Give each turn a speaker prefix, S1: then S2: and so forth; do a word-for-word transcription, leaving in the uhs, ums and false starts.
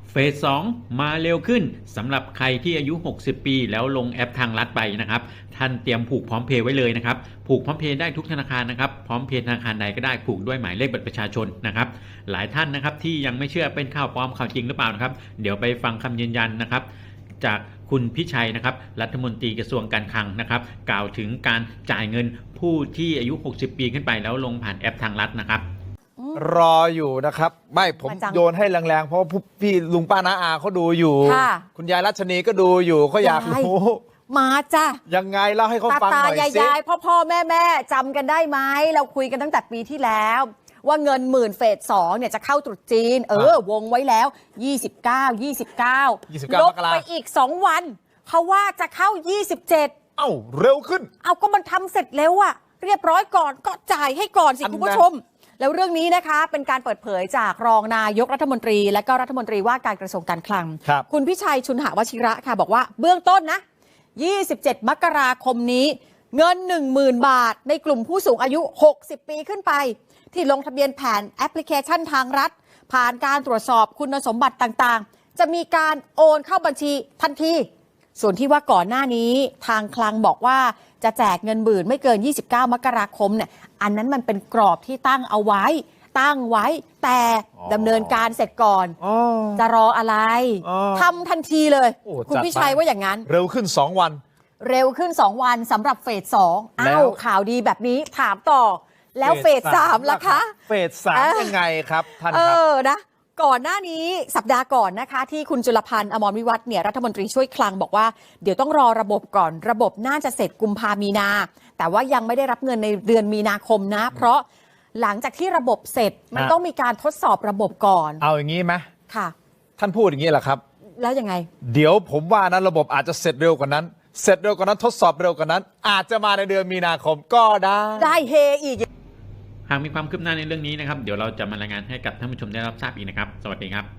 S1: เฟสสองมาเร็วขึ้นสำหรับใครที่อายุหกสิบปีแล้วลงแอปทางลัดไปนะครับท่านเตรียมผูกพร้อมเพย์ไว้เลยนะครับผูกพร้อมเพย์ได้ทุกธนาคารนะครับพร้อมเพย์ธนาคารใดก็ได้ผูกด้วยหมายเลขบัตรประชาชนนะครับหลายท่านนะครับที่ยังไม่เชื่อเป็นข่าวปลอมข่าวจริงหรือเปล่านะครับเดี๋ยวไปฟังคำยืนยันนะครับจากคุณพิชัยนะครับรัฐมนตรีกระทรวงการคลังนะครับกล่าวถึงการจ่ายเงินผู้ที่อายุหกสิบปีขึ้นไปแล้วลงผ่านแอปทางลัดนะครับ
S2: รออยู่นะครับไม่ผมโยนให้แรงๆเพราะพี่ลุงป้าน้าอาเขาดูอยู่คุณยายรัชนีก็ดูอยู่เขาอยากรู้
S3: มาจ้ะ
S2: ยังไงเล่าให้เขาฟังหน่อยสิ
S3: ตาตายายพ่อพ่อแม่แม่จำกันได้ไหมเราคุยกันตั้งแต่ปีที่แล้วว่าเงินหมื่นเฟสสองเนี่ยจะเข้าตรุษจีนเออวงไว้แล้วยี่สิบเก้า ยี่สิบเก้าลบไปอีกสองวันเขาว่าจะเข้ายี่สิบเจ็ด
S2: เอ้าเร็วขึ้น
S3: เอาก็มันทำเสร็จเร็วอะเรียบร้อยก่อนก็จ่ายให้ก่อนสิคุณผู้ชมแล้วเรื่องนี้นะคะเป็นการเปิดเผยจากรองนายกรัฐมนตรีและก็รัฐมนตรีว่าการกระทรวงการคลัง
S2: ค,
S3: คุณพิชัยชุนหวชิระค่ะบอกว่าเบื้องต้นนะยี่สิบเจ็ดมกราคมนี้เงิน หนึ่งหมื่น บาทในกลุ่มผู้สูงอายุหกสิบปีขึ้นไปที่ลงทะเบียนผ่านแอปพลิเคชันทางรัฐผ่านการตรวจสอบคุณสมบัติต่างๆจะมีการโอนเข้าบัญชีทันทีส่วนที่ว่าก่อนหน้านี้ทางคลังบอกว่าจะแจกเงินหมื่นไม่เกินยี่สิบเก้ามกราคมเนี่ยอันนั้นมันเป็นกรอบที่ตั้งเอาไว้ตั้งไว้แต่ดำเนินการเสร็จก่อนจะรออะไรทำทันทีเลยคุณพิชัยว่าอย่างนั้น
S2: เร็วขึ้นสองวัน
S3: เร็วขึ้นสองวันสำหรับเฟสสองอ้าวข่าวดีแบบนี้ถามต่อแล้วเฟสสามล่ะคะ
S2: เฟสสามยังไงครับท่านครับเอ
S3: อนะก่อนหน้านี้สัปดาห์ก่อนนะคะที่คุณจุลพันธ์อมรวิวัฒน์เนี่ยรัฐมนตรีช่วยคลังบอกว่าเดี๋ยวต้องรอระบบก่อนระบบน่าจะเสร็จกุมภามีนาแต่ว่ายังไม่ได้รับเงินในเดือนมีนาคมนะเพราะหลังจากที่ระบบเสร็จมันต้องมีการทดสอบระบบก่อน
S2: เอาอย่างนี้ไหม
S3: ค่ะ
S2: ท่านพูดอย่างนี้แหละครับ
S3: แล้วยังไง
S2: เดี๋ยวผมว่านั้นระบบอาจจะเสร็จเร็วกว่านั้นเสร็จเร็วกว่านั้นทดสอบเร็วกว่านั้นอาจจะมาในเดือนมีนาคมก็ได้
S3: ได้เฮอีก
S1: หากมีความคืบหน้าในเรื่องนี้นะครับเดี๋ยวเราจะมารายงานให้กับท่านผู้ชมได้รับทราบอีกนะครับสวัสดีครับ